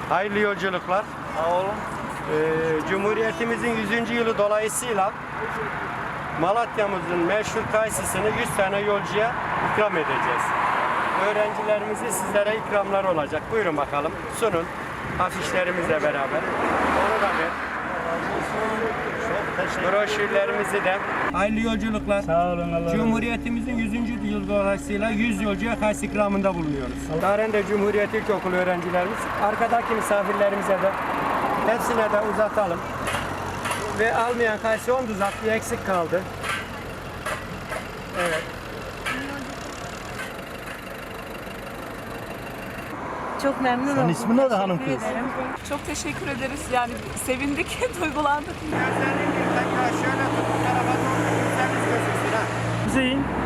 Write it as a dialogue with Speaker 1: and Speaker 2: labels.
Speaker 1: Hayırlı yolculuklar.
Speaker 2: Sağ olun.
Speaker 1: Cumhuriyetimizin 100. yılı dolayısıyla Malatya'mızın meşhur kayısısını 100 tane yolcuya ikram edeceğiz. Öğrencilerimizi sizlere ikramlar olacak. Buyurun bakalım. Sunun. Afişlerimizle beraber. Onu da ver. Broşürlerimizi de. Hayırlı yolculuklar.
Speaker 2: Sağ olun. Allah
Speaker 1: Cumhuriyetimizin 100. yıl dolayısıyla 100 yolcuya kayısı ikramında bulunuyoruz. Darende Cumhuriyet İlkokulu öğrencilerimiz, arkadaki misafirlerimize de hepsine de uzatalım. Ve almayan kayısı 10 uzak bir eksik kaldı. Evet.
Speaker 3: Çok memnun oldum.
Speaker 2: Senin ismin ne de hanım
Speaker 3: Teşekkür
Speaker 2: kız?
Speaker 3: ederim.
Speaker 4: Çok teşekkür ederiz. Yani sevindik, duygulandık.
Speaker 1: Gözlerini bir tekrar şöyle tut, bu tarafa doğru gözleriniz gözüksün ha.
Speaker 2: Hüseyin.